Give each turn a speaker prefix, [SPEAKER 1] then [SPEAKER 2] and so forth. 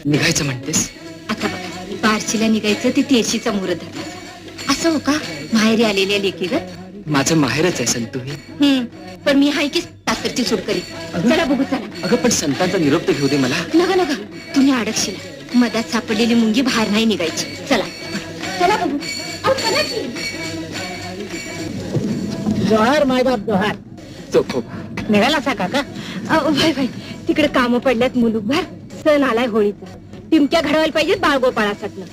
[SPEAKER 1] निघायचं म्हणतेस?
[SPEAKER 2] आता बघा, बारशीला निघायचं ते तेरशीचा मुहूर्त धरला. असं हो का? माहेरी आलेल्या लेकी ग.
[SPEAKER 1] माझं माहेरच आहे संतू.
[SPEAKER 2] पण मी हाय की सासरची सुटकरी. चला बघू चला.
[SPEAKER 1] अगं पण संतांचा निरोप तर घेऊ दे मला.
[SPEAKER 2] नका नका, तुम्ही अडकशीला. मधात सापडलेली मुंगी बाहेर नाही निघायची. चला चला बघू. अहो, चला की.
[SPEAKER 3] जोहार मायबाप जोहार.
[SPEAKER 1] चोखोबा
[SPEAKER 3] निघाला असा काका?
[SPEAKER 2] भाई भाई, तिकडे कामं पडल्यात मुलूकभर. सण आलाय होळीचा. टिमक्या घडवायला पाहिजेत बाळगोपाळासाठी.